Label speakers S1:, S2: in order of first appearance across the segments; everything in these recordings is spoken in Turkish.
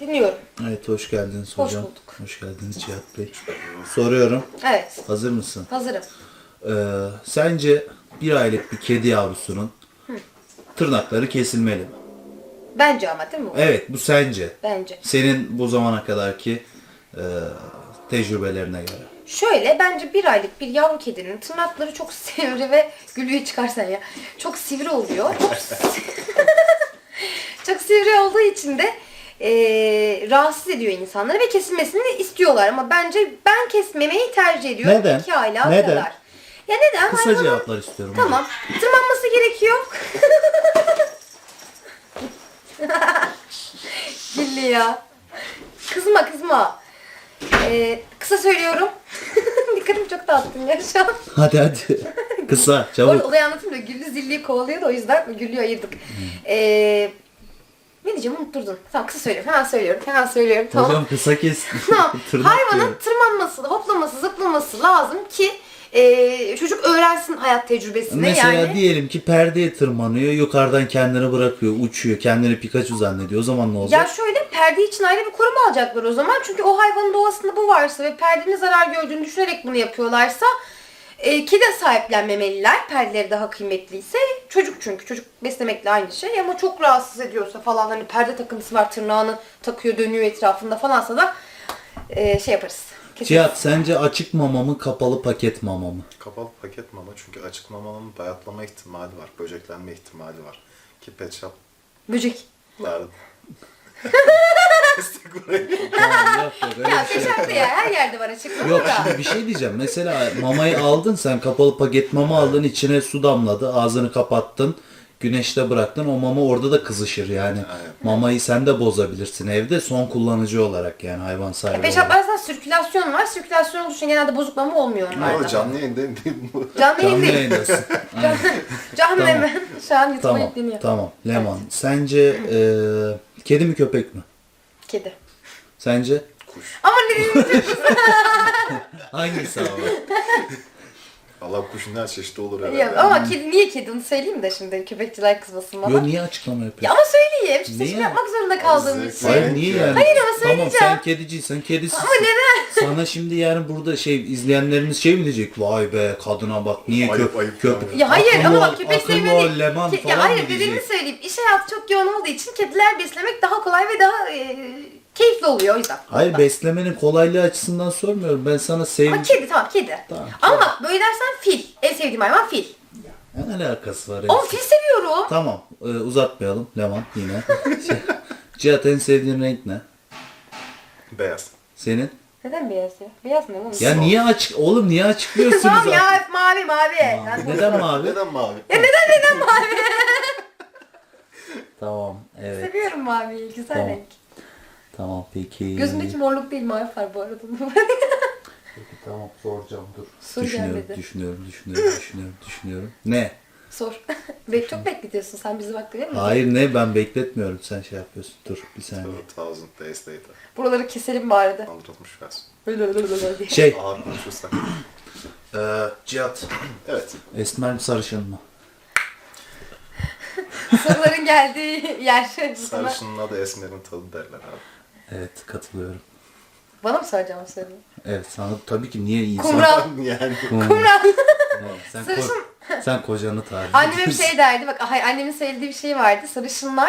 S1: Dinliyorum.
S2: Evet, hoş geldiniz
S1: Hoş
S2: hocam.
S1: bulduk.
S2: Hoş geldiniz Cihat Bey. Soruyorum.
S1: Evet.
S2: Hazır mısın?
S1: Hazırım.
S2: Sence bir aylık bir kedi yavrusunun tırnakları kesilmeli mi?
S1: Bence ama değil mi bu?
S2: Evet, bu sence.
S1: Bence.
S2: Senin bu zamana kadarki tecrübelerine göre.
S1: Şöyle bence bir aylık bir yavru kedinin tırnakları çok sivri ve gülüğü çıkarsan ya. Çok sivri oluyor. Çok sivri olduğu için de rahatsız ediyor insanları ve kesilmesini istiyorlar. Ama bence ben kesmemeyi tercih ediyorum.
S2: Neden?
S1: 2 aylığa
S2: Neden?
S1: kadar. Ya neden?
S2: Kısa
S1: Hayvanın-
S2: cevaplar istiyorum.
S1: Tamam. Tırmanması gerekiyor. Gilli ya. Kızma. Kısa söylüyorum. Dikkatimi çok dağıttın ya şu an.
S2: Hadi. Kısa,
S1: Bu arada
S2: çabuk.
S1: olayı anlatayım da Güllü zilliyi kovalıyor da o yüzden Güllü'yü ayırdık. Ne diyeceğim unutturdun. Tamam kısa söylüyorum. Hemen söylüyorum. Tamam.
S2: Hocam kısa kes.
S1: Tamam.
S2: Tırnak
S1: Hayvanın
S2: diyorum.
S1: tırmanması, hoplaması, zıplaması lazım ki çocuk öğrensin hayat tecrübesini.
S2: Mesela
S1: yani.
S2: diyelim ki perdeye tırmanıyor, yukarıdan kendini bırakıyor, uçuyor, kendini Pikachu zannediyor. O zaman ne olacak?
S1: Ya şöyle perde için ayrı bir koruma alacaklar o zaman. Çünkü o hayvanın doğasında bu varsa ve perdenin zarar gördüğünü düşünerek bunu yapıyorlarsa kedi sahiplenmemeliler. Perdeleri daha kıymetliyse. Çocuk çünkü. Çocuk beslemekle aynı şey. Ama çok rahatsız ediyorsa falan hani perde takıntısı var tırnağını takıyor dönüyor etrafında falansa da şey yaparız. Keseriz.
S2: Cihat, sence açık mama mı, kapalı paket mama mı?
S3: Kapalı paket mama çünkü açık mamanın bayatlama ihtimali var, böceklenme ihtimali var. Ki pet shop'larda...
S1: Böcek.
S2: Tamam, yok, öyle
S1: Ya
S2: bir şey yok.
S1: peşerde ya her yerde var açık.
S2: Yok, şimdi bir şey diyeceğim. Mesela mamayı aldın sen, kapalı paket mama aldın, içine su damladı, ağzını kapattın, güneşte bıraktın, o mama orada da kızışır yani.
S3: Aynen.
S2: Mamayı sen de bozabilirsin evde son kullanıcı olarak, yani hayvan sahibi olarak.
S1: Peşaplardan sirkülasyon var. Sirkülasyon olduğu için genelde bozuklama olmuyor
S3: Ama
S1: onlarda.
S3: canlı yayında değil bu.
S1: Canlı
S2: Canlı
S1: yayın değil.
S2: yayındasın. Aynen.
S1: Canlı
S2: Tamam.
S1: hemen şu an YouTube'a
S2: Tamam,
S1: yükleniyor.
S2: tamam. Leman, sence kedi mi köpek mi?
S1: Kedi.
S2: Sence?
S3: Kuş.
S1: Ama ne diyeyim?
S2: Hangisi abi?
S3: Allah kuşun her çeşidi olur herhalde.
S1: Ya, ama kedi niye kedi onu söyleyeyim de şimdi köpekçiler kızmasın bana.
S2: Yo, niye açıklama
S1: Ya
S2: yapıyorsun?
S1: ama söyleyeyim. Seçim
S2: Niye?
S1: yapmak zorunda kaldığım
S3: zevk
S1: için.
S3: var.
S2: Hayır, niye yani?
S1: Hayır ama
S2: Tamam,
S1: söyleyeceğim.
S2: sen kediciysen kedisisin.
S1: Ama neden?
S2: Sana şimdi yani burada izleyenlerimiz mi diyecek? Vay be, kadına bak, niye
S3: Ayıp, ayıp
S2: köpek?
S3: yani.
S1: Ya hayır
S2: Akıllı
S1: ama
S2: ol,
S1: bak köpek
S2: akıllı
S1: sevmeni...
S2: ol, Leman falan
S1: Ya hayır
S2: mı
S1: dediğimi
S2: diyecek?
S1: söyleyeyim. İş hayatı çok yoğun olduğu için kediler beslemek daha kolay ve daha keyifli oluyor o yüzden.
S2: Hayır, beslemenin kolaylığı açısından sormuyorum. Ben sana
S1: Ama kedi tamam kedi.
S2: Tamam,
S1: Ama bak böyle dersen fil. En sevdiğim hayvan fil.
S2: Ne alakası var?
S1: Oğlum fil seviyorum.
S2: Tamam, uzatmayalım Leman yine. Cihat, en sevdiğin renk ne?
S3: Beyaz.
S2: Senin?
S1: Neden beyaz ya? Beyaz ne oğlum?
S2: Ya niye oğlum, niye açıklıyorsunuz?
S1: Tamam ya
S2: artık?
S1: hep mavi. Ben
S2: Neden mavi?
S3: Neden mavi?
S2: Tamam, evet.
S1: seviyorum maviyi. Güzel
S2: Tamam.
S1: renk.
S2: Tamam, peki.
S1: Gözümdeki morluk değil mavi var bu arada.
S2: Peki, tamam, soracağım, dur.
S1: Sor
S2: Düşünüyorum,
S1: gelmedi.
S2: düşünüyorum. Ne?
S1: Sor. Çok bekletiyorsun sen bizi bak değil mi?
S2: Hayır, ne? Ben bekletmiyorum. Sen şey yapıyorsun. Dur bir saniye.
S3: 2000 days later.
S1: Buraları keselim bari de.
S3: Anlatılmış versin.
S1: Öyle diye.
S2: Şey,
S3: Ağır konuşursak.
S2: Cihat.
S3: Evet.
S2: Esmer mi, sarışın mı?
S1: Soruların geldiği yer. Sana...
S3: Sarışının adı Esmer'in tadı derler abi.
S2: Evet, katılıyorum.
S1: Bana mı soracağım o soruyu?
S2: Evet, sana tabii ki, niye insan...
S1: Kumral.
S3: Yani
S1: Kumral.
S2: Evet,
S1: Sarışın.
S2: sen kocanı tarif
S1: Annem hep
S2: ediyorsun.
S1: şey derdi. Bak hayır, annemin söylediği bir şey vardı. Sarışınlar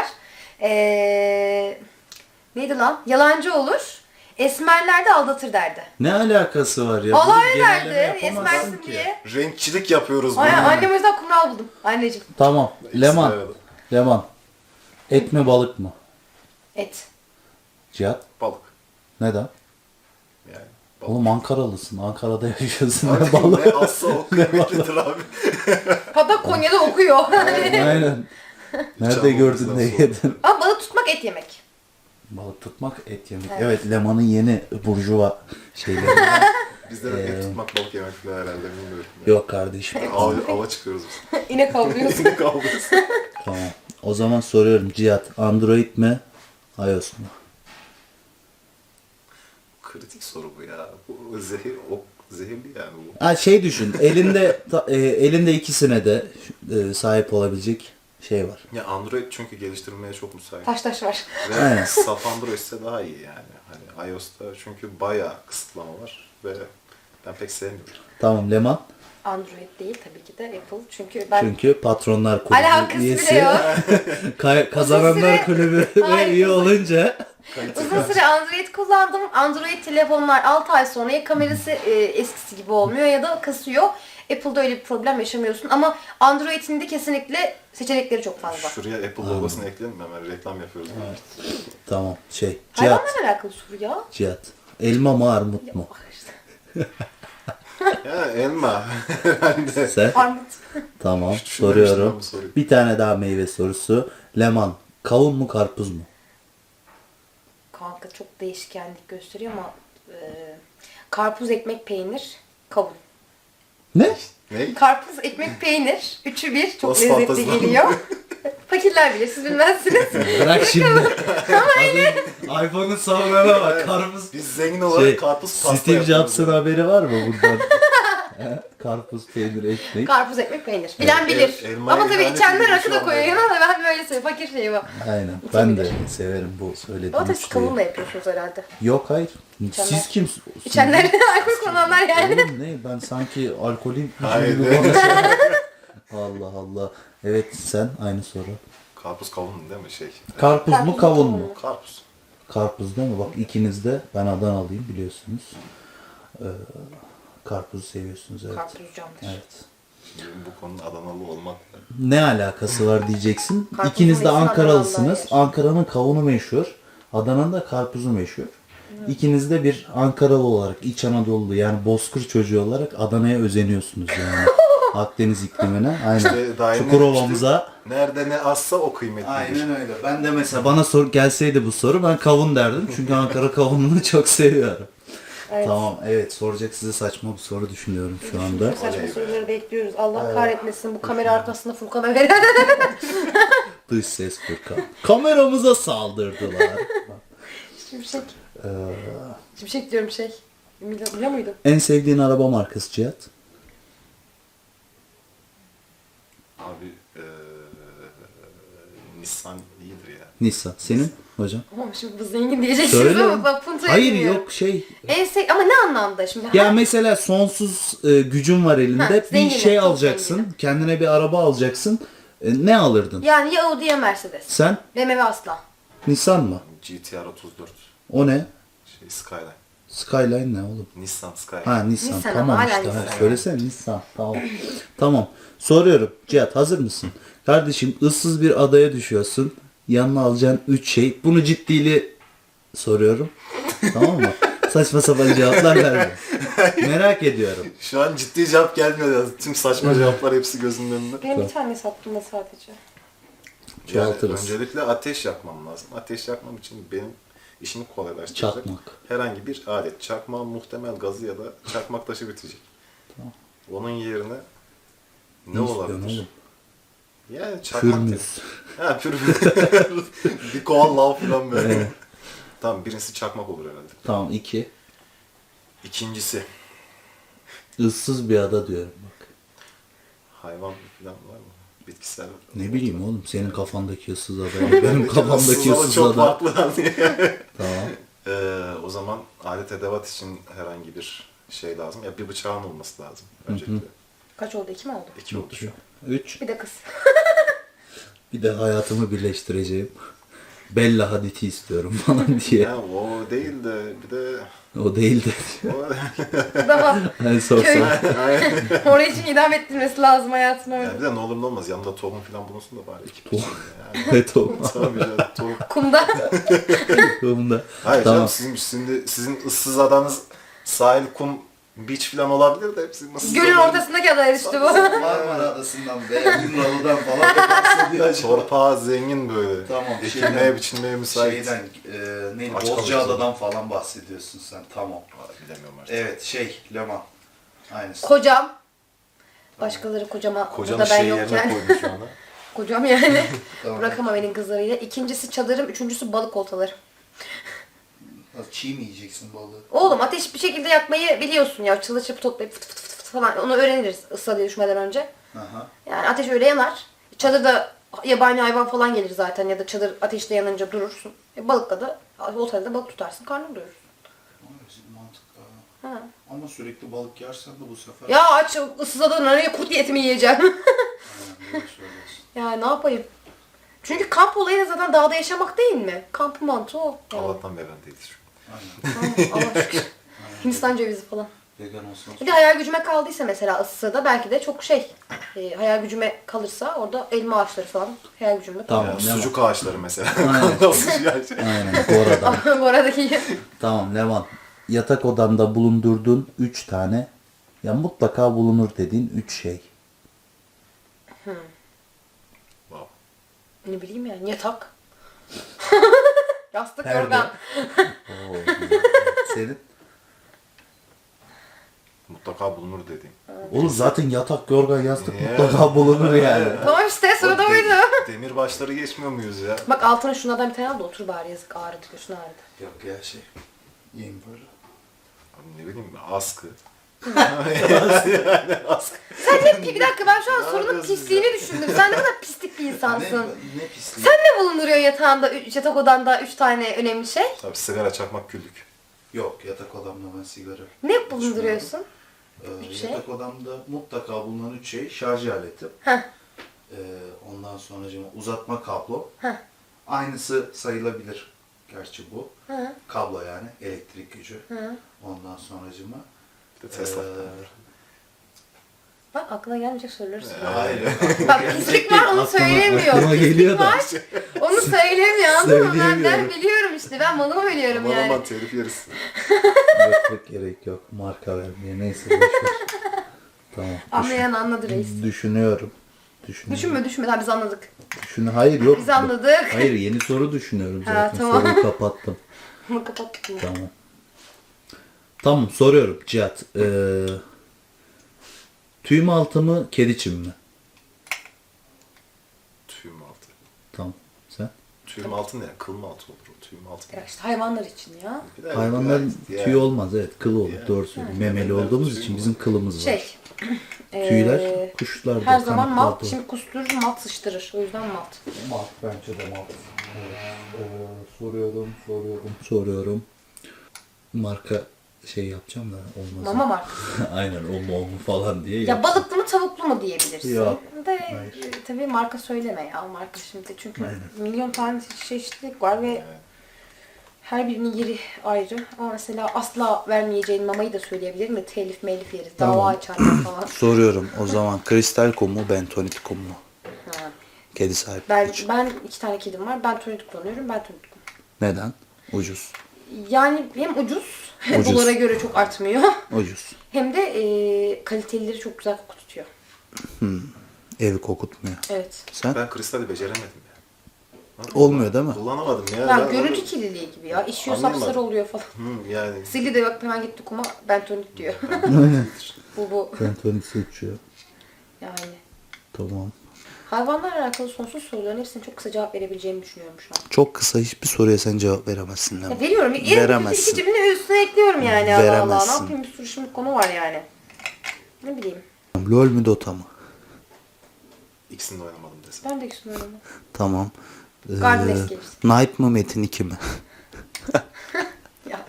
S1: neydi lan? Yalancı olur. Esmerler de aldatır derdi.
S2: Ne alakası var ya?
S1: Vallahi
S2: Bunu
S1: öyle
S2: genelleme
S1: derdi.
S2: yapamazsın
S1: Esmersin
S2: ki.
S1: diye.
S3: renkçilik yapıyoruz
S1: Ay,
S3: bunu.
S1: annem o yüzden kumral buldum. Anneciğim.
S2: Tamam, Leman.
S3: Evet.
S2: Leman. Et mi, balık mı?
S1: Et.
S2: Cihat.
S3: Balık.
S2: Neden?
S3: Yani balık.
S2: Oğlum Ankaralısın. Ankara'da yaşıyorsun. Ne
S3: Abi,
S2: balık?
S3: ne asla o kıymetlidir abi.
S1: Hatta Konya'da okuyor.
S2: Aynen. Nerede
S3: Canım
S2: gördün
S3: bizden
S2: de
S3: sonra.
S2: yedin?
S1: Ama balık tutmak et yemek.
S2: Balık tutmak, et yemek.
S1: Evet.
S2: Evet, Leman'ın yeni burjuva şeyleri.
S3: Bizde de et tutmak, balık yemek falan herhalde bilmiyorum.
S2: Yok kardeşim.
S3: Ava çıkıyoruz biz.
S1: İnek avlıyorsun.
S3: Ne kavgası?
S2: Tamam. O zaman soruyorum Cihat. Android mi? iOS mu?
S3: Kritik soru bu ya. Bu zehirli yani bu.
S2: Ha, şey düşün. Elinde ikisine de sahip olabilecek şey var.
S3: Ya Android çünkü geliştirilmeye çok müsait.
S1: Taş var.
S3: Ve
S2: Aynen.
S3: saf Android ise daha iyi yani. Hani iOS'ta çünkü bayağı kısıtlama var ve ben pek sevmiyorum.
S2: Tamam Leman.
S1: Android değil tabii ki de Apple. Çünkü ben
S2: Çünkü Patronlar
S1: alakası
S2: Kulübü
S1: bile
S2: üyesi.
S1: yok.
S2: Kazananlar
S1: süre-
S2: Kulübü
S1: Hayır.
S2: üye olunca
S1: Uzun süre Android kullandım. Android telefonlar 6 ay sonra ya kamerası eskisi gibi olmuyor ya da kasıyor. Apple'da öyle bir problem yaşamıyorsun ama Android'in de kesinlikle seçenekleri çok fazla.
S3: Şuraya Apple logosunu ekleyelim mi? Hemen reklam yapıyoruz.
S2: tamam Cihat.
S1: Hayvanlarla alakalı soru ya.
S2: Cihat. Elma mı armut mu?
S3: Ya elma. Herhalde.
S2: Sen?
S1: Armut.
S2: Tamam
S3: Hiç düşünmemiştim
S2: soruyorum.
S3: ben bu soruyu.
S2: Bir tane daha meyve sorusu. Leman. Kavun mu karpuz mu?
S1: Kanka çok değişkenlik gösteriyor ama karpuz, ekmek, peynir, kavun.
S2: Ne?
S3: Ne?
S1: Karpuz, ekmek, peynir. Üçü bir. Çok
S3: Nasıl
S1: lezzetli
S3: fantezi?
S1: geliyor. Fakirler bilir, siz bilmezsiniz.
S2: Bırak şimdi. iPhone'un savunana bak. Karpuz.
S3: Biz zengin olarak karpuz pasta
S2: Steve
S3: yapıyoruz
S2: Jobs'ın
S3: ya.
S2: haberi var mı bundan? Karpuz, peynir, ekmek.
S1: Karpuz, ekmek, peynir. Bilen
S3: Evet,
S1: bilir.
S3: elmaya
S1: Ama tabii
S3: ihanet
S1: içenler
S3: edilmiş
S1: rakı da
S3: şu
S1: koyuyor
S3: anda.
S1: yanına da ben böyle seviyorum. Fakir şeyi bu.
S2: Aynen. Ben de
S1: İçebilir.
S2: severim bu
S1: Ama
S2: söylediğiniz
S1: tabii siz kavunla yapıyorsunuz herhalde.
S2: Yok hayır.
S1: İçenler.
S2: Siz kimsiniz?
S1: İçenler alkol kullananlar yani.
S2: Oğlum ne? Ben sanki alkolüm
S3: Hayır.
S2: gibi konuşuyorum. Allah Allah. Evet sen aynı soru.
S3: Karpuz kavun değil mi şey?
S2: Karpuz mu
S1: Karpuz,
S2: kavun
S1: kavun
S2: mu?
S1: mu?
S3: Karpuz.
S2: Karpuz değil mi? Bak ikiniz de ben Adanalıyım biliyorsunuz. Karpuzu seviyorsunuz evet.
S1: Karpuz camdır.
S2: Evet.
S3: Şimdi bu konunun Adanalı olmakla.
S2: Ne alakası var diyeceksin.
S1: Karpuzun
S2: İkiniz de
S1: iyisi
S2: Ankaralısınız.
S1: Adanalılar yer.
S2: Ankara'nın kavunu meşhur. Adana'nın da karpuzu meşhur. İkiniz de bir Ankaralı olarak, İç Anadolu yani Bozkır çocuğu olarak Adana'ya özeniyorsunuz yani. Akdeniz iklimine. Aynen.
S3: İşte daima
S2: Çukurova'mıza.
S3: Nerede ne azsa o kıymetlidir.
S2: Aynen öyle. Ben de mesela bana gelseydi bu soru ben kavun derdim. Çünkü Ankara kavununu çok seviyorum.
S1: Evet.
S2: Tamam evet soracak size saçma bir soru düşünüyorum şu anda.
S1: Saçma soruları bekliyoruz. Allah kahretmesin bu kamera arkasında Furkan'a veren.
S2: Dış ses Furkan. Kameramıza saldırdılar.
S1: Şimşek. Şimşek diyorum şey. Biliyor muydun?
S2: En sevdiğin araba markası Cihat?
S3: Abi Nissan iyidir ya.
S2: Nissan. Senin hocam?
S1: Ama şimdi bu zengin diyeceksiniz
S2: Söyle.
S1: ama bak puntoya
S2: Hayır
S1: bilmiyorum.
S2: yok şey.
S1: Ama ne anlamda şimdi?
S2: Ya mesela sonsuz gücün var elinde.
S1: Ha,
S2: bir
S1: zenginim,
S2: şey
S1: çok
S2: alacaksın.
S1: zenginim.
S2: Kendine bir araba alacaksın. Ne alırdın?
S1: Yani ya Audi ya Mercedes.
S2: Sen
S1: BMW asla.
S2: Nissan mı?
S3: GTR 34.
S2: O ne?
S3: Şey Skyline.
S2: Skyline ne oğlum?
S3: Nissan Skyline.
S2: Ha Nissan.
S1: Nissan
S2: Tamam
S1: ama
S2: işte.
S1: hala
S2: Ha,
S1: Nissan.
S2: söylesene Nissan. Tamam. Tamam. Soruyorum. Cihat hazır mısın? Kardeşim ıssız bir adaya düşüyorsun. Yanına alacağın 3 şey. Bunu ciddiyle soruyorum. Tamam mı? Saçma sapan cevaplar verme. Merak ediyorum.
S3: Şu an ciddi cevap gelmiyor ya. Tüm saçma cevaplar hepsi gözümün önünde.
S1: Benim bir tane sattığımda sadece.
S3: Yani
S2: Çoğaltırız.
S3: öncelikle ateş yakmam lazım. Ateş yakmam için benim işimi kolaylaştıracak
S2: Çakmak.
S3: herhangi bir alet. Çakma muhtemel gazı ya da çakmak taşı bitecek. Onun yerine ne
S2: istiyorsun
S3: olabilir?
S2: oğlum?
S3: Yani çakmak
S2: Pürmüz.
S3: dedim. Ha pürmüz. Bir kovan lav falan böyle. Tamam birincisi çakmak olur herhalde.
S2: Tamam 2.
S3: İkincisi
S2: Issız bir ada diyorum bak.
S3: hayvan falan var mı? Bitkisel.
S2: Ne bileyim oğlum senin kafandaki ıssız ada. Benim kafamdaki
S3: Aslında
S2: ıssız
S3: çok
S2: ada.
S3: farklı.
S2: Tamam.
S3: O zaman alet edevat için herhangi bir şey lazım. Ya bir bıçağın olması lazım öncelikle.
S1: Kaç oldu? 2 mi oldu?
S3: 2 oldu şu an.
S2: 3.
S1: Bir de kız.
S2: Bir de hayatımı birleştireceğim. Bella Hadid'i istiyorum falan diye.
S3: Ya o değil de bir de
S2: O değil de.
S3: o,
S1: Tamam.
S2: En sorsam.
S1: Köy. Oraya için idam ettirmesi lazım hayatına
S3: ya
S1: öyle.
S3: bir de ne olur ne olmaz yanında tohum falan bulunsun da bari ekip
S2: Tohum.
S3: için yani.
S2: Evet o.
S3: Tabii canım tohum.
S1: Kumda.
S2: Bunda.
S3: Hayır
S2: Tamam.
S3: canım sizin ıssız adanız sahil, kum, beach falan olabilir de hepsi ıssız
S1: Gölün
S3: adanın
S1: ortasındaki adaya düştü bu.
S2: Marmara Adası'ndan veya Yunalı'dan falan bahsediyor acaba.
S3: torpağı zengin böyle.
S2: Tamam.
S3: Ekilmeye biçilmeye müsait.
S2: Şeyden, neydi?
S3: Açık
S2: Bozcaada'dan falan bahsediyorsun sen. Tamam.
S3: Bilemiyorum artık.
S2: Evet Leman. Aynısı.
S1: Kocam. Başkaları kocama
S3: Kocanın
S1: burada ben
S3: şey yerine
S1: yokken.
S3: koymuş şu anda.
S1: Kocam yani.
S2: Tamam.
S1: Bırakamam elin kızlarıyla. İkincisi çadırım, üçüncüsü balık oltaları.
S2: Çiğ mi yiyeceksin balığı?
S1: Oğlum ateş bir şekilde yakmayı biliyorsun ya. Çalı çırpı toplayıp fıt fıt fıt fıt falan. Onu öğreniriz ısla diye düşmeden önce.
S2: Aha.
S1: Yani ateş öyle yanar. Çadırda yabani hayvan falan gelir zaten ya da çadır ateşte yanınca durursun. Balıkla da otelde balık tutarsın, karnını doyurursun.
S2: Mantıklı.
S1: Ha.
S2: Ama sürekli balık yersen de bu sefer...
S1: Ya aç ıssız adada nereye kurt etimi yiyeceğim.
S2: Aynen, doğru söylüyorsun.
S1: Ya ne yapayım? Çünkü kamp olayı da zaten dağda yaşamak değil mi? Kamp mantığı o. Yani.
S3: Allah'tan veren değiliz.
S2: Aynen.
S1: Allah şükür. Hindistan cevizi falan.
S2: Vegan olsun.
S1: Bir de hayal gücüme kaldıysa mesela ıssıda belki de çok hayal gücüme kalırsa orada elma ağaçları falan hayal gücümde kalır.
S2: Tamam.
S3: Yani sucuk ağaçları mesela.
S2: Aynen.
S3: Nasıl yani?
S2: Aynen. Gora'dan.
S1: Bu aradaki
S2: Tamam Levan. Yatak odanda bulundurduğun 3 tane ya mutlaka bulunur dediğin 3 şey.
S3: Wow.
S1: ne bileyim yani yatak. Yastık,
S2: Perde.
S1: yorgan.
S2: Oo. Senin?
S3: Mutlaka bulunur dediğim.
S2: Oğlum zaten yatak, yorgan, yastık
S3: Ya.
S2: mutlaka bulunur yani.
S1: Tamam işte sırada
S3: O
S1: oydu.
S3: Demir başları geçmiyor muyuz ya?
S1: Bak altına şunlardan bir tane al da otur bari yazık ağrıdı göğsün ağrıdı.
S2: Yok ya şey. Yiyeyim böyle.
S3: Abi ne bileyim askı.
S1: Bir dakika ben şu an sorunun
S3: yapıyorsun
S1: pisliğini düşündüm. Sen ne kadar pislik bir insansın.
S2: Ne pisliği.
S1: Sen ne bulunduruyor yatağında, yatak odanda 3 tane önemli şey?
S3: Tabii sigara, çakmak, küllük.
S2: Yok yatak odamda ben sigara.
S1: Ne bulunduruyorsun? Üç şey.
S2: Yatak odamda mutlaka bulunan 3 şey şarj aleti.
S1: Heh.
S2: Ondan sonra uzatma kablo.
S1: Heh.
S2: Aynısı sayılabilir. Gerçi bu.
S1: Hı.
S2: Kablo yani elektrik gücü.
S1: Hı.
S2: Ondan sonracıma.
S3: Bir de Tesla.
S1: Bak aklına gelmeyecek soruları soruyor.
S2: Hayır.
S1: Bak pislik var onu söylemiyor.
S2: aklıma
S1: Pislik
S2: geliyor da.
S1: var onu söylemiyor anladın mı? Ben
S2: Söyleyemiyorum.
S1: biliyorum işte ben malımı biliyorum
S3: Aman
S1: yani.
S3: aman telif yeriz.
S2: Yok gerek yok. Marka vermeye. Neyse boş ver. Tamam.
S1: Anlayan anladı reis.
S2: Düşünüyorum.
S1: Düşünme daha biz anladık.
S2: Hayır yok.
S1: Biz anladık.
S2: Hayır yeni soru düşünüyorum
S1: Ha,
S2: zaten.
S1: tamam.
S2: Soruyu kapattım.
S1: Bunu kapattık mı?
S2: Tamam. Tamam soruyorum Cihat. Tüy mü altı mı kedi çim mi?
S3: Tüyüm altı.
S2: Tamam. Sen?
S3: Tüyüm altı ne ya? Kıl mı altı olur o? Tüyüm altı
S1: Ya
S3: ne?
S1: işte hayvanlar için ya.
S3: Bir de-
S2: Hayvanların
S3: ya-
S2: tüyü olmaz evet kılı olur
S3: Ya.
S2: doğru söylüyorsun. Memeli
S3: Memeliler
S2: olduğumuz
S3: tüy
S2: için
S3: mü
S2: bizim
S3: var?
S2: kılımız var.
S1: Şey.
S2: Tüyler kuşlarda.
S1: Her zaman malt.
S2: kanatlarda.
S1: Şimdi kusturur malt sıçtırır. O yüzden malt.
S2: Malt bence de malt. Soruyorum. Marka şey yapacağım da olmaz.
S1: Mama markası.
S2: Aynen o mu falan diye.
S1: Ya
S2: yapacağım.
S1: balıklı mı tavuklu mu diyebilirsin.
S2: Yok.
S1: De
S2: Hayır.
S1: tabii marka söyleme ya marka şimdi. Çünkü
S2: Aynen.
S1: milyon tane çeşitlilik var ve her birinin yeri ayrı. Ama mesela asla vermeyeceğin mamayı da söyleyebilirim de telif melif yeriz. Dava
S2: Tamam.
S1: açarlar falan.
S2: Soruyorum o zaman kristal kum mu bentonit kum mu?
S1: Ha.
S2: Kedi sahibi
S1: Ben,
S2: için.
S1: ben 2 tane kedim var. Ben tonit kullanıyorum. Ben tonit kullanıyorum.
S2: Neden? Ucuz.
S1: Yani hem ucuz,
S2: Ucuz.
S1: dolara göre çok artmıyor.
S2: Ucuz.
S1: Hem de kalitelileri çok güzel koku tutuyor.
S2: Evi kokutmuyor.
S1: Evet.
S2: Sen?
S3: Ben kristali beceremedim ya.
S2: Olmuyor değil mi?
S3: Kullanamadım ya.
S1: Ya
S3: Ben
S1: görüntü
S3: onu-
S1: kirliliği gibi ya. İşiyor
S3: Anlayamadım.
S1: sapsarı oluyor falan.
S3: Yani.
S1: Sildi de bak hemen gitti kuma bentonit diyor. bu.
S2: Bentonit seçiyor.
S1: Yani.
S2: Tamam.
S1: Hayvanlarla alakalı sonsuz soruların hepsine çok kısa cevap verebileceğimi düşünüyorum şu an.
S2: Çok kısa hiçbir soruya sen cevap veremezsin
S1: Ya
S2: lan.
S1: veriyorum.
S2: Veremezsin.
S1: İki cümle üstüne ekliyorum yani. Allah Allah. Ne
S2: Veremezsin.
S1: yapayım bir sürü şimdi konu var yani. Ne bileyim.
S2: LOL mü Dota mı?
S3: İkisini de oynamadım desem.
S1: Ben de ikisini öyle.
S2: Tamam.
S1: Garden Escapes.
S2: Knight mı Metin 2 mi?
S1: Ya.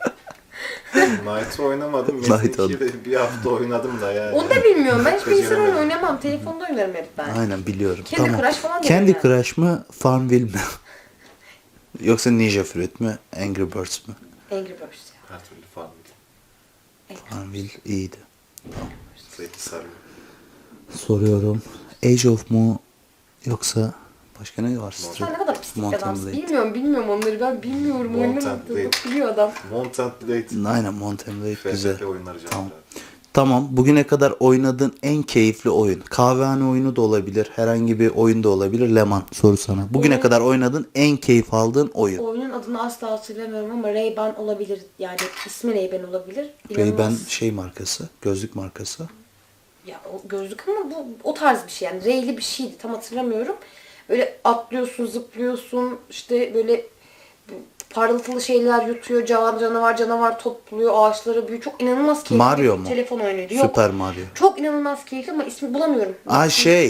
S3: Knight'ı oynamadım.
S2: Knight
S3: Metin 2'yi de bir hafta oynadım da yani.
S1: Onu da bilmiyorum. Ben hiç bilgisayar oyunu
S3: Beceremedim.
S1: oynamam. Telefonda oynarım hep ben.
S2: Aynen biliyorum.
S1: Candy
S2: tamam.
S1: Crush falan
S2: Candy
S1: dedim ben.
S2: Crush mı Farmville mi? Yoksa Ninja Fruit mü Angry Birds mi?
S1: Angry Birds ya.
S3: Her türlü farm edeyim.
S2: Farmville iyiydi.
S3: Zevkli sarıyor.
S2: Soruyorum. Age of mu yoksa başka ne var?
S1: Sen ne kadar pislik bir
S2: Mountain
S1: adamsın.
S2: Blade.
S1: Bilmiyorum onları. Ben bilmiyorum.
S3: Mountain
S1: Oynamadım.
S3: Blade.
S1: Biliyor adam.
S3: Mount and Blade.
S2: Aynen Mountain Blade güzel.
S3: FFP oyunları canım.
S2: Tamam. Tamam. Bugüne kadar oynadığın en keyifli oyun. Kahvehane oyunu da olabilir. Herhangi bir oyun da olabilir. Leman soru sana. Bugüne
S1: Oyun-
S2: kadar oynadığın en keyif aldığın oyun.
S1: Oyunun adını asla hatırlamıyorum ama Ray-Ban olabilir. Yani ismi Ray-Ban olabilir.
S2: Ray-Ban
S1: İnanılmaz.
S2: şey markası. Gözlük markası.
S1: Ya o gözlük ama bu o tarz bir şey yani. Ray'li bir şeydi. Tam hatırlamıyorum. Böyle atlıyorsun, zıplıyorsun. İşte böyle parıltılı şeyler yutuyor. Canavar topluyor. Ağaçları büyüyor. Çok inanılmaz keyifli.
S2: Mario
S1: bir
S2: mu?
S1: telefon oyunuydu. Yok.
S2: Süper Mario.
S1: Çok inanılmaz keyifli ama ismi bulamıyorum.
S2: Aa şey.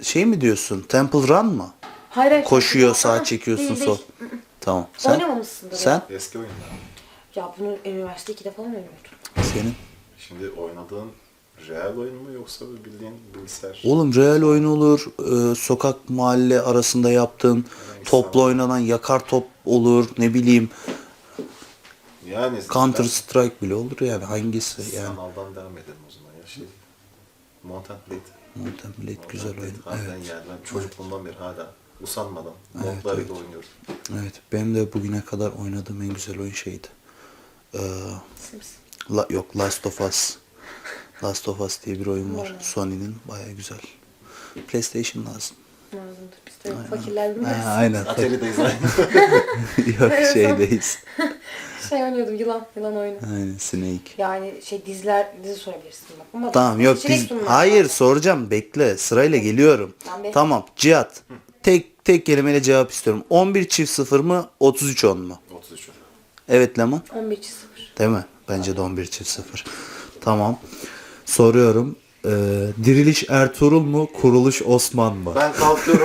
S2: şey mi diyorsun? Temple Run mı?
S1: Hayır.
S2: Koşuyor,
S1: Aa,
S2: sağ çekiyorsun,
S1: değil,
S2: sol.
S1: değil.
S2: Tamam. Sen?
S1: Oynamamışsındır
S2: Sen?
S1: ya.
S3: Eski oyunlar.
S1: Ya bunu üniversite 2'de falan oynuyordum.
S2: Senin?
S3: Şimdi oynadığın real oyun mu yoksa bildiğin bilgisayar?
S2: Oğlum real oyun olur, sokak mahalle arasında yaptığın, topla oynanan yakar top olur, ne bileyim
S3: Yani
S2: Counter Strike bile olur yani hangisi yani.
S3: Sanaldan devam edelim o zaman ya. Mount and Blade.
S2: Mount and Blade güzel
S3: Blade
S2: oyun.
S3: harbiden
S2: Evet.
S3: yani ben çocukluğumdan beri hala usanmadan
S2: Evet,
S3: modlarıyla
S2: evet.
S3: oynuyorum.
S2: Evet, benim de bugüne kadar oynadığım en güzel oyun şeydi.
S1: Sims.
S2: Yok, Last of Us. Last of Us diye bir oyun var.
S1: Vallahi.
S2: Sony'nin baya güzel. PlayStation lazım.
S1: Lazımdır. Biz de fakirler bilmez.
S2: Aynen.
S3: Atari'deyiz aynı.
S2: Yok şeydeyiz.
S1: Şey oynuyordum yılan oyunu.
S2: Aynen Snake.
S1: Yani dizi sorabilirsin bak. Ama
S2: Tamam yok
S1: seçenek sunmak
S2: hayır
S1: lazım.
S2: soracağım bekle sırayla geliyorum.
S1: Tamam,
S2: Tamam Cihat. Tek kelimeyle cevap istiyorum. 11 çift 0 mı 33 10 mu?
S3: 33.
S2: Evet Leman.
S1: 11-0.
S2: Değil mi? Bence de 11 çift 0. Tamam. Soruyorum. Diriliş Ertuğrul mu? Kuruluş Osman mı?
S3: Ben kalkıyorum.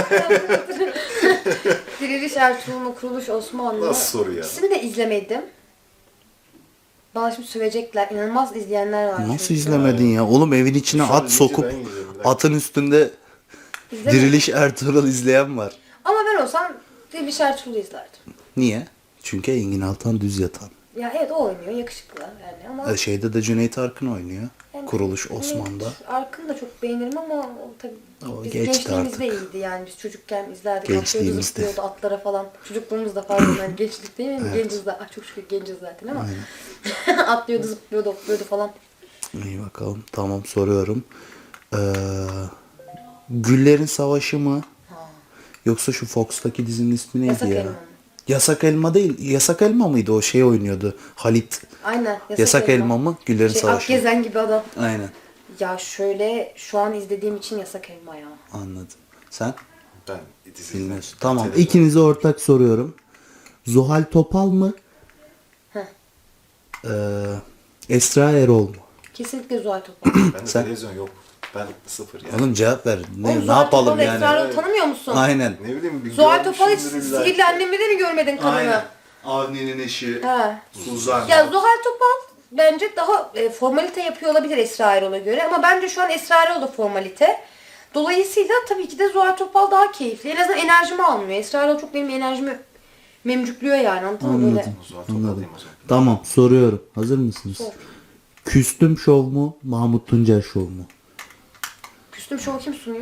S1: Diriliş Ertuğrul Kuruluş Osmanlı.
S3: Nasıl soru ya?
S1: İkisini de izlemedim. Bana şimdi sövecekler. İnanılmaz izleyenler var.
S2: Nasıl
S1: çünkü.
S2: izlemedin ya? Oğlum evin içine
S3: Şu an
S2: at sokup
S3: ben yiyeceğim, bir dakika.
S2: atın üstünde
S1: İzlemedim.
S2: Diriliş Ertuğrul izleyen var.
S1: Ama ben olsam Diriliş Ertuğrul'u izlerdim.
S2: Niye? Çünkü Engin Altan düz yatan.
S1: Ya evet o oynuyor. Yakışıklı yani ama...
S2: Şeyde de Cüneyt Arkın oynuyor.
S1: Yani
S2: Kuruluş Osman'da.
S1: Evet, Arkın'ı da çok beğenirim ama o tabii
S2: O
S1: biz
S2: geçti
S1: gençliğimizde
S2: artık.
S1: iyiydi yani biz çocukken izlerdik.
S2: Gençliğimizde.
S1: Atlıyordu, zıplıyordu atlara falan. Çocukluğumuzda pardon yani gençlik değil mi?
S2: Evet.
S1: Genciz zaten. Çok şükür genciz zaten ama. Atlıyordu, zıplıyordu, hopluyordu falan.
S2: İyi bakalım. Tamam soruyorum. Güllerin Savaşı mı? Yoksa şu Fox'taki dizinin ismi neydi
S1: Yasak
S2: ya?
S1: Elma mı?
S2: Yasak Elma değil. Yasak Elma mıydı o şey oynuyordu? Halit.
S1: Aynen.
S2: Yasak Elma mı? Güllerin
S1: Şey,
S2: Savaşı mı?
S1: Akgezen gibi adam.
S2: Aynen.
S1: Ya şöyle şu an izlediğim için Yasak Elma ya.
S2: Anladım. Sen?
S3: Ben dizi
S2: Bilmiyorsun. Tamam.
S3: Televizyon.
S2: İkinize ortak soruyorum. Zuhal Topal mı?
S1: Heh.
S2: Esra Erol mu?
S1: Kesinlikle Zuhal Topal.
S3: Bende
S2: Sen?
S3: televizyon yok. Ben sıfır yani.
S2: Oğlum cevap ver.
S1: Oğlum,
S2: Ne
S1: Zuhal
S2: yapalım
S1: Topal'ı,
S2: yani?
S1: Esra Erol'u tanımıyor musun?
S2: Aynen.
S3: Ne bileyim bir
S1: Zuhal Topal hiç
S3: görmüşümdür illa ki.
S1: sihirli annemde mi görmedin kadını?
S2: Avni'nin eşi.
S1: He.
S2: Suzan.
S1: Ya Zuhal Topal bence daha formalite yapıyor olabilir Esra Erol'a göre ama bence şu an Esra Erol da formalite. Dolayısıyla tabii ki de Zuhal Topal daha keyifli. En azından enerjimi almıyor. Esra Erol çok benim enerjimi memcüklüyor yani anladın mı böyle?
S3: Zuhal Topal'dayım o zaman.
S2: Tamam soruyorum. Hazır mısınız?
S1: Sor.
S2: Küstüm Şov mu? Mahmut Tuncer Şov mu?
S1: Küstüm şovu kim sunuyor?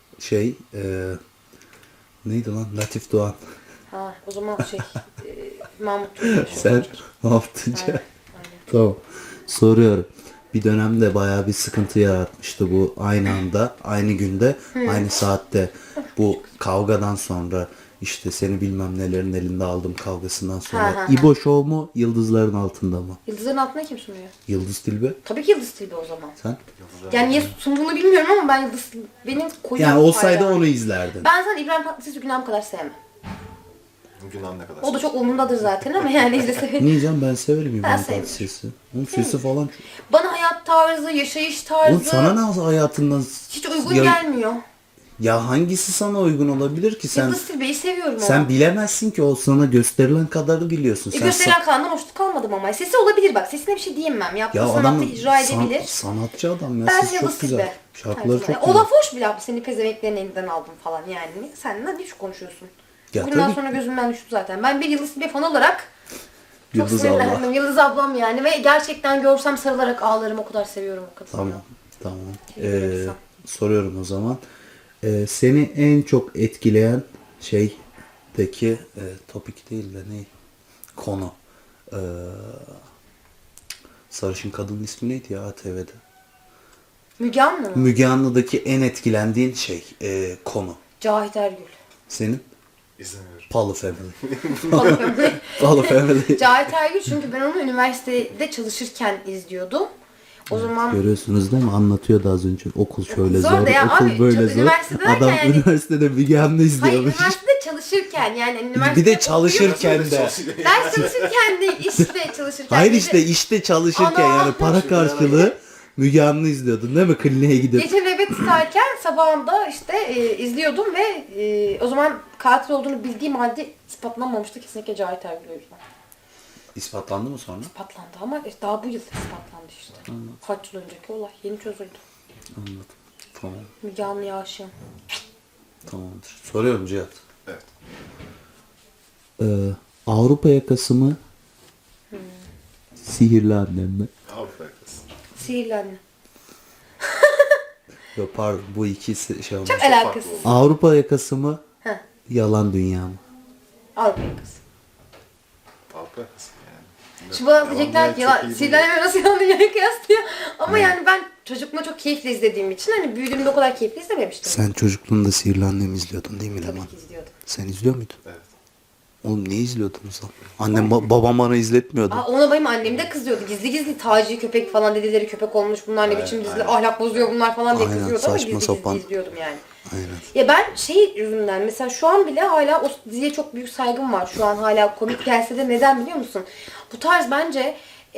S2: Neydi lan? Latif Doğan.
S1: Ha o zaman Mahmut Tuncer.
S2: Sen Mahmut Tuncer.
S1: Aynen.
S2: Tamam. Soruyorum. Bir dönemde bayağı bir sıkıntı yaratmıştı bu aynı anda, aynı günde, aynı saatte. Bu kavgadan sonra işte seni bilmem nelerin elinde aldım kavgasından sonra.
S1: Ha, ha, ha.
S2: İbo Show mu? Yıldızların altında mı?
S1: Yıldızların altına kim sunuyor?
S2: Yıldız Tilbe.
S1: Tabii ki Yıldız Tilbe o zaman.
S2: Sen?
S1: Yani niye sunduğunu bilmiyorum ama ben Yıldız benim koyu
S2: Yani olsaydı
S1: hayranım.
S2: onu izlerdin.
S1: Ben zaten İbrahim Tatlıses'i Günahım kadar sevmem.
S3: Günah ne kadar?
S1: O da çok umurumdadır zaten ama yani izlese.
S2: Niye canım ben severim İbrahim
S1: sevmiyorum.
S2: Tatlıses'i. Onun sesi falan çok...
S1: Bana hayat tarzı, yaşayış tarzı
S2: Oğlum sana ne hayatından...
S1: hiç uygun
S2: Ya-
S1: gelmiyor.
S2: Ya hangisi sana uygun olabilir ki sen...
S1: Yıldız Tilbe'yi seviyorum ama.
S2: Sen bilemezsin ki o sana gösterilen kadarı biliyorsun. Sen
S1: Gösteren Kaan'dan hoşnut kalmadım ama. Sesi olabilir bak. Sesine bir şey diyemem. Yaptığı
S2: ya
S1: sanatta
S2: adam
S1: icra edebilir.
S2: sanatçı adam ya.
S1: Ben
S2: Sesi
S1: Yıldız
S2: çok güzel.
S1: Tilbe.
S2: Şarkıları
S1: tarzı.
S2: çok
S1: O
S2: güzel.
S1: laf hoş bile abi. Seni pezemeklerin elinden aldım falan yani. Sen ne biçim konuşuyorsun?
S2: Ya
S1: Bugünden
S2: tabii.
S1: sonra gözümden düştü zaten. Ben bir Yıldız Tilbe fan olarak çok
S2: Yıldız
S1: sinirlendim.
S2: abla.
S1: Yıldız ablam yani. Ve gerçekten görsem sarılarak ağlarım. O kadar seviyorum o kadını.
S2: Tamam. Tamam.
S1: Teşekkür ederim.
S2: Soruyorum o zaman. Seni en çok etkileyen şeydeki topik değil de ne? Konu. Sarışın kadının ismi neydi ya ATV'de?
S1: Müge Anlı mı?
S2: Müge Anlı'daki en etkilendiğin konu.
S1: Cahit Ergül.
S2: Senin?
S3: İzlemiyorum.
S2: Palu Family.
S1: Falan.
S2: Palu Family.
S1: Cahit Ergül çünkü ben onu üniversitede çalışırken izliyordum. O zaman
S2: Görüyorsunuz değil mi? Anlatıyordu az önce. Okul şöyle
S1: Zor
S2: zor,
S1: da ya
S2: okul
S1: abi,
S2: böyle
S1: çok
S2: zor.
S1: üniversitede
S2: Adam
S1: yani-
S2: üniversitede Müge Anlı
S1: hayır
S2: izliyormuş.
S1: üniversitede çalışırken yani
S2: Bir
S1: üniversitede
S2: de çalışırken de.
S1: ders çalışırken değil işte çalışırken.
S2: Hayır
S1: Gece-
S2: işte çalışırken
S1: Ana!
S2: yani para karşılığı Müge Anlı izliyordun değil mi? Kliniğe gidip.
S1: Gece nöbet uyumak isterken sabahında işte izliyordum ve o zaman katil olduğunu bildiğim halde ispatlanmamıştı. Kesinlikle Cahit Ergül o yüzden.
S2: İspatlandı mı sonra?
S1: İspatlandı ama daha bu yıl ispatlandı işte. Kaç yıl önceki olay. Yeni çözüldü.
S2: Anladım. Tamam.
S1: Müge Anlı'ya aşığım.
S2: Tamamdır. Soruyorum Cihat.
S3: Evet.
S2: Avrupa yakası mı? Sihirli annem mi?
S3: Avrupa yakası.
S1: Sihirli Anne.
S2: Yok pardon, bu ikisi şey olmaz.
S1: Çok alakasız.
S2: Avrupa yakası mı?
S1: Heh.
S2: Yalan dünya mı?
S1: Avrupa yakası.
S3: Avrupa yakası yani.
S1: Şimdi bana
S3: Yalan
S1: diyecekler ki
S3: dünya çok
S1: ya
S3: iyi
S1: Sihirli
S3: değil.
S1: Annem'e nasıl Yalan Dünya'yı kıyaslıyor. Ama yani ben çocukluğumda çok keyifle izlediğim için hani büyüdüğümde o kadar keyifli izlememiştim.
S2: Sen çocukluğunda Sihirli Annem'i izliyordun değil mi Leman?
S1: Tabii ki izliyordum.
S2: Sen izliyor muydun?
S3: Evet.
S2: Oğlum niye izliyordunuz lan? Annem babam bana izletmiyordu.
S1: Ona benim annem de kızıyordu. Gizli gizli Taci köpek falan dedeleri köpek olmuş. Bunlar ne
S3: Aynen,
S1: biçim diziler,
S3: aynen.
S1: ahlak bozuyor bunlar falan diye
S2: Aynen,
S1: kızıyordu ama
S2: saçma
S1: gizli
S2: sapan.
S1: gizli izliyordum yani.
S2: Aynen.
S1: Ya ben şey yüzünden mesela şu an bile hala o diziye çok büyük saygım var. Şu an hala komik gelse de neden biliyor musun? Bu tarz bence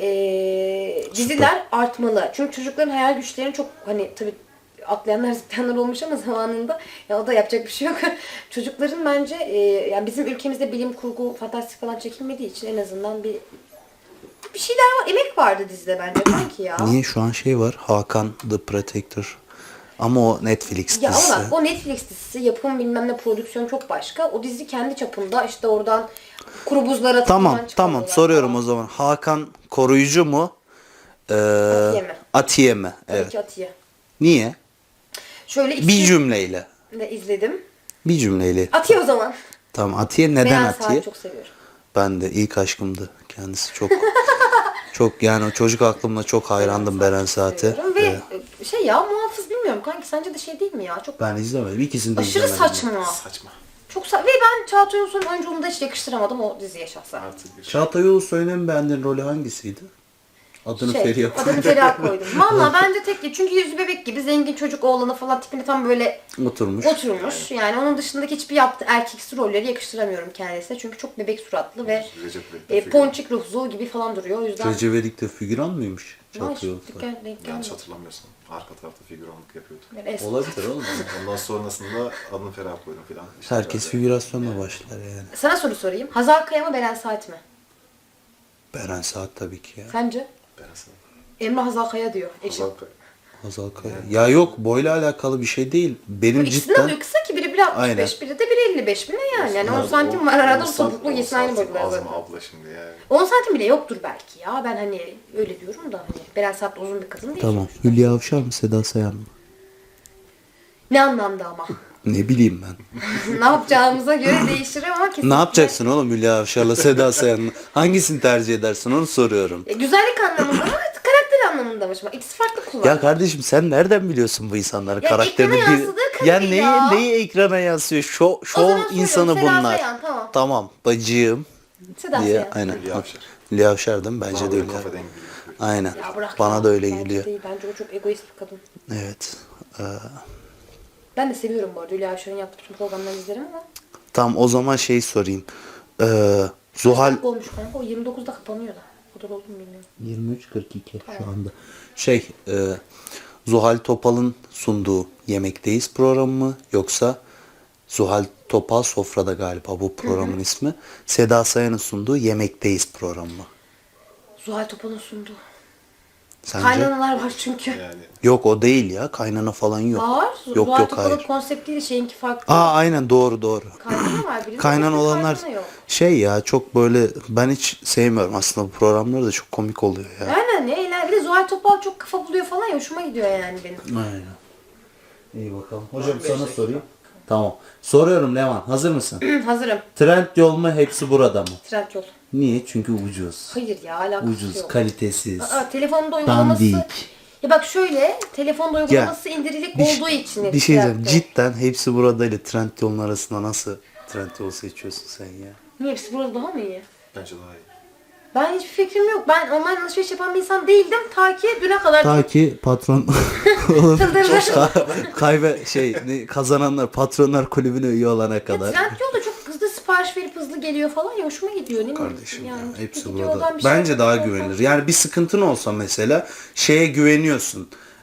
S1: diziler artmalı. Çünkü çocukların hayal güçlerini çok hani tabii atlayanlar zıplayanlar olmuş ama zamanında ya o da yapacak bir şey yok. Çocukların bence yani bizim ülkemizde bilim kurgu fantastik falan çekilmediği için en azından bir şeyler var. Emek vardı dizide bence sanki ya.
S2: Niye şu an şey var? Hakan The Protector. Ama o Netflix
S1: Ya
S2: dizisi.
S1: ama bak o Netflix dizisi yapım bilmem ne prodüksiyon çok başka. O dizi kendi çapında işte oradan kuru buzlara
S2: Tamam
S1: tıkılan
S2: tamam
S1: çıkarıyorlar
S2: soruyorum
S1: falan.
S2: o zaman. Hakan koruyucu mu?
S1: Atiye mi?
S2: Atiye mi?
S1: Tabii
S2: Evet.
S1: ki Atiye.
S2: Niye?
S1: Şöyle
S2: Bir cümleyle.
S1: de izledim.
S2: Bir cümleyle.
S1: Atiye o zaman.
S2: Tamam Atiye neden
S1: Beyaz
S2: Atiye?
S1: Saat çok seviyorum.
S2: Ben de ilk aşkımdı. Kendisi çok çok yani o çocuk aklımda çok hayrandım Beren Saat'e.
S1: Seviyorum Ve şey ya muhafız bilmiyorum kanki sence de şey değil mi ya? Çok
S2: Ben izlemedim. İkisini de
S1: aşırı
S2: izlemedim.
S1: saçma.
S3: Saçma.
S1: Ve ben Çağatay Ulusoy'un oyunculuğunu da hiç yakıştıramadım o diziye şahsen.
S3: Artık bir
S2: Çağatay Ulusoy'un en beğendiğin rolü hangisiydi? Adını Feriha koydum.
S1: Adını Feriha koydum. Valla bence tek çünkü yüzü bebek gibi zengin çocuk oğlanı falan tipini tam böyle
S2: Oturmuş.
S1: oturmuş. Yani onun dışındaki hiçbir yaptığı erkeksi rolleri yakıştıramıyorum kendisine. Çünkü çok bebek suratlı ve
S3: Recep İvedik figürü.
S1: ponçik ruhlu gibi falan duruyor. O yüzden
S2: Recep İvedik de figüran mıymış? Çağatay
S1: Vay,
S2: Ulusoy.
S1: denk
S3: Yanlış
S1: gelmedi.
S3: hatırlamıyorsam. Arka tarafta figüranlık yapıyordu.
S1: Yani es-
S2: Olabilir oğlum.
S3: Ondan sonrasında adını Ferah koydum filan. İşte
S2: Herkes
S3: böyle.
S2: figürasyonla başlar yani.
S1: Sana soru sorayım. Hazal Kaya mı Beren Saat mi?
S2: Beren Saat tabii ki ya.
S1: Sence?
S3: Ben sana.
S1: Emre Hazal Kaya diyor. Eşim.
S3: Hazal Kaya.
S2: Hazal Kaya. Ya yok boyla alakalı bir şey değil. Benim
S1: İkisinin
S2: cidden
S1: adı kısa ki biri 1.65
S2: Aynen.
S1: biri de 1.55 mi ne yani? Yani 10 santim var arada
S3: o
S1: topuklu
S3: santim-
S1: yesin aynı
S3: o santim
S1: boyutlar
S3: Az mı
S1: zaten.
S3: abla şimdi yani?
S1: 10 santim bile yoktur belki ya. Ben hani öyle diyorum da hani Beren Saat uzun bir kadın değil.
S2: tamam. Hülya Avşar mı Seda Sayan mı?
S1: Ne anlamda ama?
S2: Ne bileyim ben.
S1: Ne yapacağımıza göre değişir ama kesinlikle.
S2: Ne yapacaksın oğlum Hülya Avşar'la Seda Sayan'la? Hangisini tercih edersin onu soruyorum.
S1: Güzellik anlamında mı? Karakter anlamında mı? Şimdi İkisi farklı kullan.
S2: Ya kardeşim sen nereden biliyorsun bu insanların
S1: Ya
S2: karakterini?
S1: ekrana yansıdığı
S2: Ya
S1: kadar
S2: neyi,
S1: ya.
S2: neyi ekrana yansıyor?
S1: O
S2: Şov
S1: zaman söylüyorum,
S2: insanı
S1: Seda
S2: bunlar.
S1: Sayan, tamam.
S2: Tamam bacığım
S1: Seda
S2: diye.
S1: Sayan.
S2: Aynen.
S3: Hülya Avşar.
S2: Hülya Avşar değil mi? Bence
S3: Bana
S2: de
S3: böyle
S2: Hülya.
S3: kafa dengi bir-
S2: Aynen.
S1: Ya bırak
S2: Bana
S1: ya.
S2: da öyle
S1: Bence
S2: geliyor.
S1: değil. Bence o çok egoist bir kadın.
S2: Evet.
S1: Ben de seviyorum bu arada. Hülya Avşar'ın yaptığı bütün programları izlerim ama.
S2: Tamam o zaman şey sorayım. Zuhal
S1: Kaç olmuş kanka? O 29'da kapanıyor da. O kadar oldu mu bilmiyorum.
S2: 23.42 şu anda. Zuhal Topal'ın sunduğu Yemekteyiz programı mı yoksa Zuhal Topal Sofra'da galiba bu programın ismi. Seda Sayan'ın sunduğu Yemekteyiz programı mı?
S1: Zuhal Topal'ın sunduğu.
S2: Sence?
S1: Kaynanalar var çünkü.
S3: Yani
S2: Yok o değil ya. Kaynana falan yok.
S1: Var.
S2: Yok
S1: Zuhal
S2: yok
S1: Topal'ın
S2: hayır.
S1: konseptiyle şeyinki farklı.
S2: Aynen doğru.
S1: Kaynana var birinde.
S2: Kaynan
S1: başka
S2: olanlar
S1: kaynana yok.
S2: şey ya çok böyle ben hiç sevmiyorum aslında bu programları da çok komik oluyor ya.
S1: Aynen ne eğlenceli. Bir de Zuhal Topal çok kafa buluyor falan ya hoşuma gidiyor yani benim.
S2: Aynen. İyi bakalım. Hocam sana sorayım. Tamam. Soruyorum Levan. Hazır mısın?
S1: Hazırım.
S2: Trendyol mu hepsi burada mı?
S1: Trendyol.
S2: Niye? Çünkü ucuz.
S1: Hayır ya alakası
S2: Ucuz,
S1: yok.
S2: kalitesiz.
S1: Telefonda uygulaması...
S2: Dandik.
S1: Ya bak şöyle, telefonda uygulaması indirilik olduğu için.
S2: Bir şey diyeceğim.
S1: Trendyol.
S2: Cidden hepsi burada ile Trendyol'un arasında nasıl Trendyol seçiyorsun sen ya?
S1: Niye hepsi burada daha mı iyi?
S3: bence daha iyi.
S1: Ben hiçbir fikrim yok. Ben online alışveriş yapan bir insan değildim. Ta ki düne kadar.
S2: Ta ki patron kazananlar patronlar kulübüne üye olana kadar.
S1: Trendyol da çok hızlı sipariş verip hızlı geliyor falan ya hoşuma gidiyor değil mi?
S2: Kardeşim ya
S1: Yani
S2: hepsi
S1: gidiyor
S2: burada.
S1: oradan bir şey
S2: Bence daha
S1: yapıyor.
S2: güvenilir. Yani bir sıkıntın olsa mesela şeye güveniyorsun.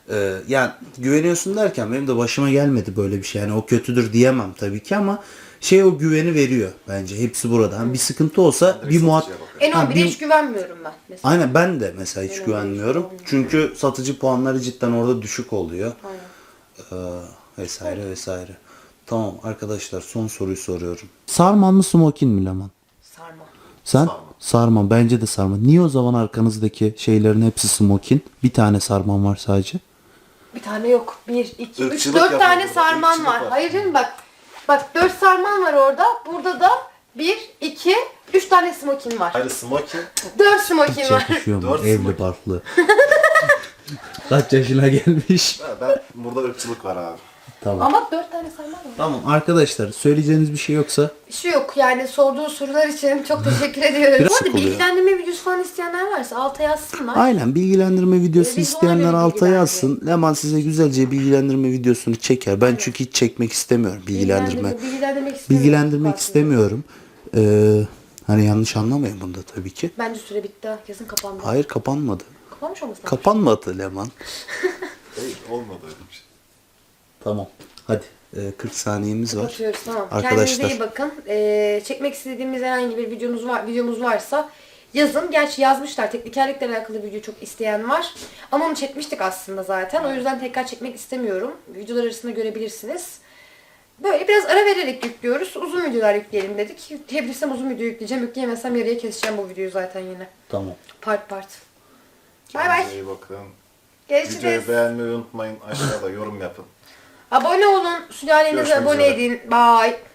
S2: Yani güveniyorsun derken benim de başıma gelmedi böyle bir şey. Yani o kötüdür diyemem tabii ki ama şey o güveni veriyor bence. Hepsi burada. Hani bir sıkıntı olsa
S3: Direkt
S2: bir
S3: satıcıya bakıyorum.
S1: N11'e hiç güvenmiyorum ben mesela.
S2: Aynen ben de mesela hiç
S1: Benim
S2: güvenmiyorum.
S1: öyle.
S2: Çünkü satıcı puanları cidden orada düşük oluyor.
S1: Aynen.
S2: Vesaire vesaire. Tamam arkadaşlar son soruyu soruyorum. Sarman mı smokin mi Leman?
S1: Sarma.
S2: Sen?
S3: Sarma.
S2: Sarman. Bence de sarman. Niye o zaman arkanızdaki şeylerin hepsi smokin? Bir tane sarman var sadece.
S1: Bir tane yok. 1, 2, 3,
S3: Irkçılık
S1: 4
S3: yapıyor
S1: tane
S3: burada,
S1: sarman
S3: ırkçılık
S1: var.
S3: var.
S1: Hayır canım bak. Bak 4 sarman var orada. Burada da 1, 2, 3 tane smokin var.
S3: Hayır smoking
S1: 4 smokin var.
S2: Çakışıyor mu?
S3: Dört
S2: Evli
S3: smokin.
S2: barklı. Kaç yaşına gelmiş?
S3: ben burada ırkçılık var abi.
S2: Tamam.
S1: Ama 4 tane sarman var.
S2: Tamam arkadaşlar söyleyeceğiniz bir şey yoksa
S1: Şu yok yani sorduğu sorular için çok teşekkür ediyoruz.
S2: Biraz
S1: Bu arada
S2: sıkılıyor.
S1: bilgilendirme videosu falan isteyenler varsa alta yazsınlar.
S2: aynen bilgilendirme videosu
S1: Biz ona
S2: isteyenler
S1: göre
S2: alta
S1: bilgilendirelim.
S2: yazsın. Leman size güzelce bilgilendirme videosunu çeker. Ben çünkü hiç çekmek istemiyorum bilgilendirme.
S1: Bilgilendirmek istemiyorum.
S2: Bilgilendirmek
S1: Aslında.
S2: istemiyorum. Hani yanlış anlamayın bunda tabii ki.
S1: Bence süre bitti. Kesin kapandı.
S2: Hayır kapanmadı.
S1: Kapanmış olmasın?
S2: Kapanmadı Leman.
S3: Değil olmadı öyle bir şey.
S2: Tamam. Hadi 40 saniyemiz var.
S1: Kapatıyoruz tamam.
S2: Arkadaşlar.
S1: Kendinize iyi bakın. Çekmek istediğimiz herhangi bir videomuz varsa yazın. Gerçi yazmışlar. Teknikerlikle alakalı video çok isteyen var. Ama onu çekmiştik aslında zaten. O yüzden tekrar çekmek istemiyorum. Videolar arasında görebilirsiniz. Böyle biraz ara vererek yüklüyoruz. Uzun videolar yükleyelim dedik. Yükleyebilirsem uzun video yükleyeceğim. Yükleyemezsem yarıya keseceğim bu videoyu zaten yine.
S2: Tamam.
S1: Part part. Bay bay.
S3: Kendinize iyi bakın.
S1: Görüşürüz.
S3: Videoyu beğenmeyi unutmayın. Aşağıda yorum yapın.
S1: Abone olun. Sülalenize
S3: Görüşmek
S1: abone
S3: üzere.
S1: edin. Bye.